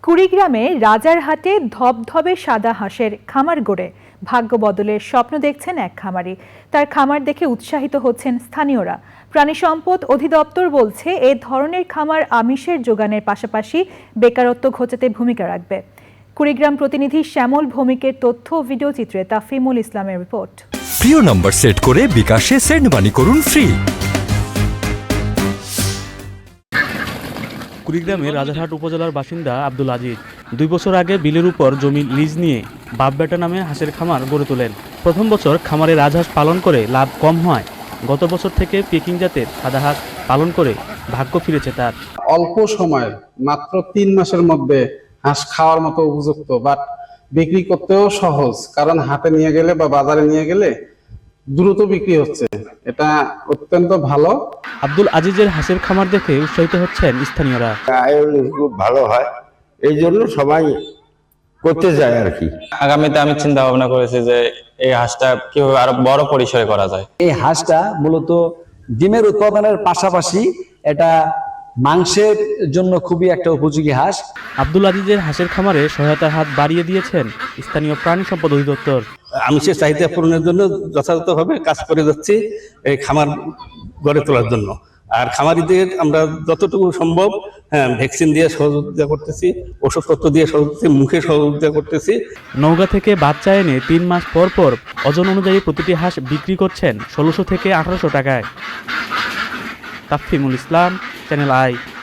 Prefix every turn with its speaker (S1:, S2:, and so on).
S1: কুড়িগ্রামে রাজারহাটে ধবধবে সাদা হাঁসের খামার গড়ে ভাগ্য বদলের স্বপ্ন দেখছেন এক খামারি। তার খামার দেখে উৎসাহিত হচ্ছেন স্থানীয়রা। প্রাণী সম্পদ অধিদপ্তর বলছে এ ধরনের খামার আমিষের যোগানের পাশাপাশি বেকারত্ব ঘোচাতে ভূমিকা রাখবে। কুড়িগ্রাম প্রতিনিধি শ্যামল ভৌমিকের তথ্য ও ভিডিও চিত্রে তাফিমুল ইসলামের রিপোর্ট।
S2: প্রিয় নম্বর সেট করে বিকাশে সেন্ড মানি করুন ফ্রি।
S3: কুড়িগ্রামের রাজারহাট উপজেলার বাসিন্দা আব্দুল আজিজ 2 বছর আগে বিলের উপর জমি লিজ নিয়ে বাপ বেটা নামে হাঁসের খামার গড়ে তোলেন। প্রথম বছর খামারে রাজহাঁস পালন করে লাভ কম হয়। গত বছর থেকে পেকিং জাতের সাদা হাঁস পালন করে ভাগ্য ফিরেছে তার।
S4: অল্প সময় মাত্র 3 মাসের মধ্যে হাঁস খাওয়ার মতো উপযুক্ত, বাট বিক্রি করতেও সহজ, কারণ হাটে নিয়ে গেলে বা বাজারে নিয়ে গেলে দ্রুত বিক্রি হচ্ছে। এটা অত্যন্ত ভালো।
S3: আব্দুল আজিজের হাঁসের খামার দেখে উৎসাহিত হচ্ছেন স্থানীয়রা।
S5: আয়ন খুব ভালো হয়, এই জন্য সবাই করতে যায় আর কি।
S6: আগামীতে আমি চিন্তা ভাবনা করেছি যে এই হাঁসটা কিভাবে আরো বড় পরিসরে করা যায়।
S7: এই হাঁসটা মূলত ডিমের উৎপাদনের পাশাপাশি এটা মাংসের জন্য খুবই একটা উপযোগী হাঁস।
S3: আব্দুল আজিজের হাঁসের খামারে সহায়তার হাত বাড়িয়ে দিয়েছেন স্থানীয় প্রাণী সম্পদ অধিদপ্তর।
S8: আমিষের চাহিদা পূরণের জন্য যথাযথভাবে কাজ করে যাচ্ছি এই খামার গড়ে তোলার জন্য। আর খামারিদের আমরা যতটুকু সম্ভব ভ্যাকসিন দিয়ে সহযোগিতা করতেছি, ওষুধপত্র দিয়ে সহযোগিতা, মুখে সহযোগিতা করতেছি।
S3: নওগাঁ থেকে বাচ্চা এনে 3 মাস পর পর ওজন অনুযায়ী প্রতিটি হাঁস বিক্রি করছেন 1600 থেকে 1800 টাকায়। Tafimul Islam, channel I.